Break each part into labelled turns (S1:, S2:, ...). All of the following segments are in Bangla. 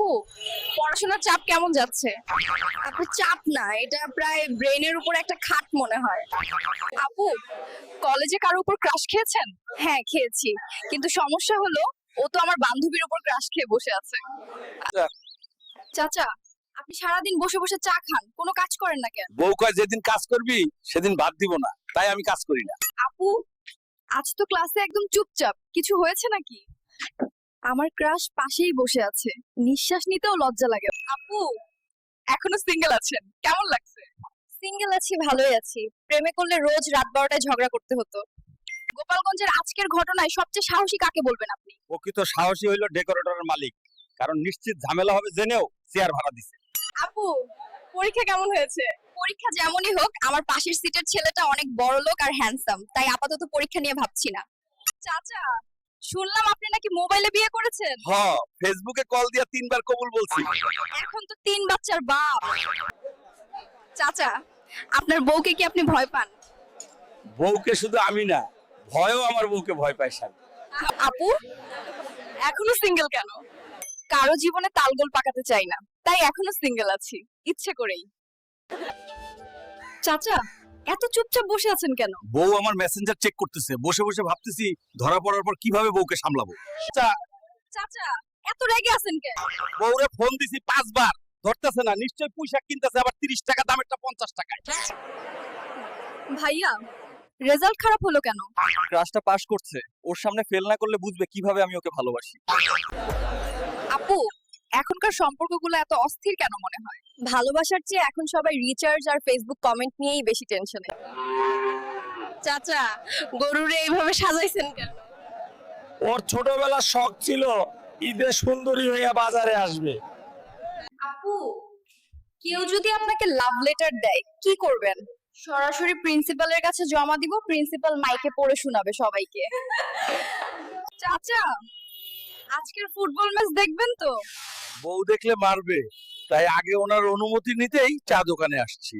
S1: আপু, পড়াশোনার চাপ কেমন যাচ্ছে? আপু, চাপ না, এটা প্রায় ব্রেনের উপর একটা খাট মনে হয়। আপু, কলেজে কারো উপর ক্রাশ খেয়েছেন? হ্যাঁ, খেয়েছি, কিন্তু সমস্যা হলো ও তো আমার বান্ধবীর উপর ক্রাশ খেয়ে বসে আছে। চাচা, আপনি সারাদিন বসে বসে চা খান, কোনো কাজ করেন না কেন?
S2: বউ কয় যেদিন কাজ করবি সেদিন ভাত দিব না, তাই আমি কাজ করি না।
S1: আপু, আজ তো ক্লাসে একদম চুপচাপ, কিছু হয়েছে নাকি? আমার ক্রাশ পাশেই বসে আছে, নিঃশ্বাস নিতেও লজ্জা লাগে। আপু, এখনো সিঙ্গেল আছেন, কেমন লাগছে? সিঙ্গেল আছি, ভালোই আছি। প্রেমে করলে রোজ রাত 12টায় ঝগড়া করতে হতো। গোপালগঞ্জের আজকের ঘটনায় সবচেয়ে সাহসী কাকে বলবেন আপনি?
S2: প্রকৃত সাহসী হইলো ডেকোরেটরের মালিক, কারণ নিশ্চিত ঝামেলা হবে জেনেও চেয়ার ভাড়া দিছে।
S1: আপু, পরীক্ষা কেমন হয়েছে? পরীক্ষা যেমনই হোক, আমার পাশের সিটের ছেলেটা অনেক বড় লোক আর হ্যান্ডসাম, তাই আপাতত পরীক্ষা নিয়ে ভাবছি না। চাচা, শুনলাম আপনি নাকি মোবাইলে বিয়ে করেছেন।
S2: হ, ফেসবুকে কল দিয়া 3বার কবুল বলছি।
S1: এখন তো 3 বাচ্চার বাপ। চাচা, আপনার বউকে কি আপনি ভয় পান?
S2: বউকে শুধু আমি না, ভয়ও আমার বউকে ভয় পায় স্যার।
S1: আপু, এখনো সিঙ্গেল কেন? কারো জীবনে তালগোল পাকাতে চাই না, তাই এখনো সিঙ্গেল আছি, ইচ্ছে করেই। চাচা, এত চুপচাপ বসে আছেন কেন?
S2: বউ আমার মেসেঞ্জার চেক করতেছে, বসে বসে ভাবতেছি ধরা পড়ার পর কিভাবে বউকে সামলাবো।
S1: চাচা, এত রেগে আছেন কেন?
S2: বউরে ফোন দিছি 5বার, ধরতেছে না, নিশ্চয় পোশাক কিনতেছে, আবার 30 টাকা দামেরটা 50 টাকায়।
S1: ভাইয়া, রেজাল্ট খারাপ হলো কেন?
S2: ক্লাসটা পাস করছে, ওর সামনে ফেল না করলে বুঝবে কিভাবে আমি ওকে ভালোবাসি।
S1: আপু, এখনকার সম্পর্কগুলো এত অস্থির কেন মনে হয়? ভালোবাসার চেয়ে এখন সবাই রিচার্জ আর ফেসবুক কমেন্ট নিয়েই বেশি টেনশনে। চাচা, গরুরে এইভাবে সাজাইছেন কেন?
S3: ওর ছোটবেলার শখ ছিল ঈদে সুন্দরী হইয়া বাজারে আসবে।
S1: আপু, কেউ যদি আপনাকে লাভ লেটার দেয় কি করবেন? সরাসরি প্রিন্সিপালের কাছে জমা দিব, প্রিন্সিপাল মাইকে পড়ে শোনাবে সবাইকে। চাচা, আজকের ফুটবল ম্যাচ দেখবেন তো?
S2: বউ দেখলে মারবে, তাই আগে ওনার অনুমতি নিতেই চা দোকানে আসছি।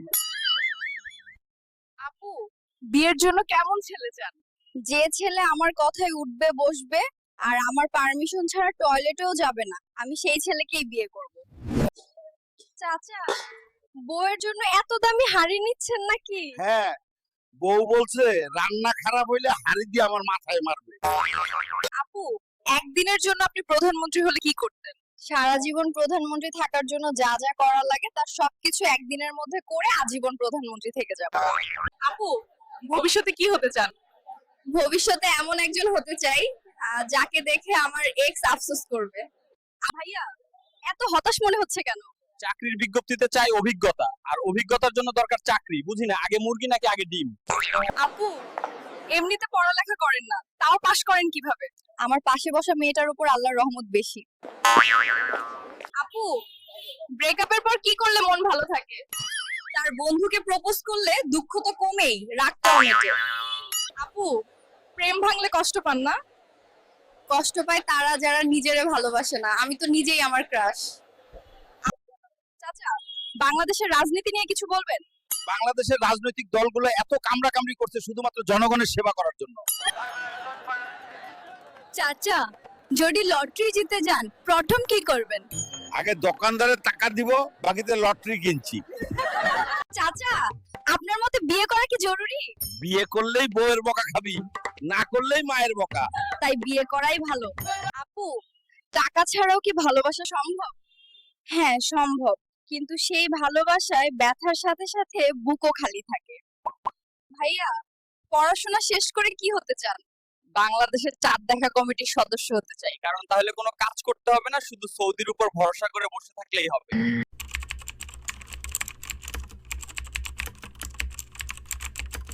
S1: আপু, বিয়ের জন্য কেমন ছেলে চান? যে ছেলে আমার কথায় উঠবে বসবে আর আমার পারমিশন ছাড়া টয়লেটেও যাবে না, আমি সেই ছেলেকেই বিয়ে করব। চাচা, বউয়ের জন্য এত দামি হাড়ি নিচ্ছেন নাকি?
S2: হ্যাঁ, বউ বলছে রান্না খারাপ হইলে হাড়ি দিয়ে আমার মাথায় মারবে।
S1: আপু, একদিনের জন্য আপনি প্রধানমন্ত্রী হলে কি করতেন? সারা জীবন প্রধানমন্ত্রী থাকার জন্য যা যা করা লাগে তার সবকিছু একদিনের মধ্যে করে আজীবন প্রধানমন্ত্রী থেকে যাব। আপু, ভবিষ্যতে কি হতে চান? ভবিষ্যতে এমন একজন হতে চাই যাকে দেখে আমার এক্স আফসোস করবে। ভাইয়া, এত হতাশ মনে হচ্ছে কেন?
S2: চাকরির বিজ্ঞপ্তিতে চাই অভিজ্ঞতা, আর অভিজ্ঞতার জন্য দরকার চাকরি। বুঝি না, আগে মুরগি নাকি আগে ডিম?
S1: আপু, এমনিতে পড়ালেখা করেন না, তাও পাশ করেন কিভাবে? আমার পাশে বসা মেয়েটার উপর আল্লাহর রহমত বেশি। আপু, ব্রেকআপের পর কি করলে মন ভালো থাকে? তার বন্ধুকে প্রপোজ করলে দুঃখ তো কমেই, রাগটাও মেটে। আপু, প্রেম ভাঙলে কষ্ট পান না? কষ্ট পায় তারা যারা নিজেরে ভালোবাসে না, আমি তো নিজেই আমার ক্রাশ। চাচা, বাংলাদেশের রাজনীতি নিয়ে কিছু বলবেন?
S2: বাংলাদেশের রাজনৈতিক দলগুলো এত কামড়াকামড়ি করছে শুধুমাত্র জনগণের সেবা করার জন্য।
S1: চাচা, যদি লটারি জিতে যান প্রথম কি করবেন?
S2: আগে দোকানদারের টাকা দিব, বাকিতে লটারি কিনছি।
S1: চাচা, আপনার মতে বিয়ে করা কি জরুরি?
S2: বিয়ে করলেই বউয়ের বকা খাবি, না করলেই মায়ের বকা।
S1: তাই বিয়ে করাই ভালো। আপু, টাকা ছাড়াও কি ভালোবাসা সম্ভব? হ্যাঁ, সম্ভব, কিন্তু সেই ভালোবাসায় ব্যথার সাথে সাথে বুকও খালি থাকে। ভাইয়া, পড়াশোনা শেষ করে কি হতে চান? বাংলাদেশের চাঁদ দেখা কমিটির সদস্য হতে চাই।
S2: কারণ তাহলে কোনো কাজ করতে হবে না, শুধু সৌদির উপর ভরসা করে বসে থাকলেই হবে।